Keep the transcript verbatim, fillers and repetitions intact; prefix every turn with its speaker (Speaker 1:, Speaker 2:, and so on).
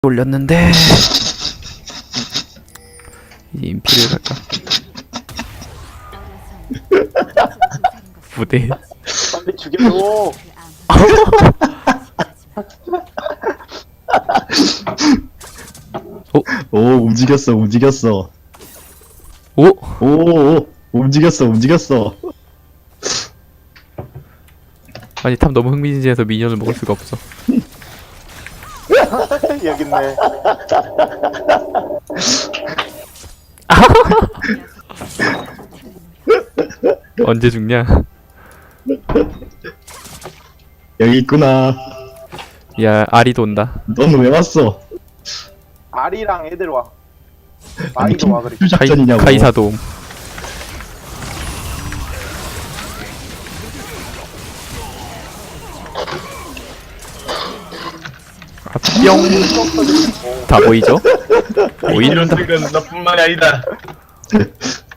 Speaker 1: 올렸는데 이제 인피를 갈까? 부대.
Speaker 2: 빨리 죽여줘.
Speaker 3: 오 움직였어 움직였어
Speaker 1: 오?
Speaker 3: 오 움직였어 움직였어
Speaker 1: 아니 탑 너무 흥미진진해서 미니언을 먹을 수가 없어.
Speaker 2: 여기 있네.
Speaker 1: 언제 죽냐?
Speaker 3: 여기 있구나.
Speaker 1: 야 아리도 온다.
Speaker 3: 넌 왜 왔어?
Speaker 2: 아리랑 애들 와.
Speaker 3: 아니
Speaker 2: 아이도 와 그래.
Speaker 3: 큐
Speaker 1: 카이,
Speaker 3: 작전이냐고.
Speaker 1: 카이사도 옴. 아, 뿅. 다 보이죠? 보인다.
Speaker 4: 이런 은 너뿐만이 아니다.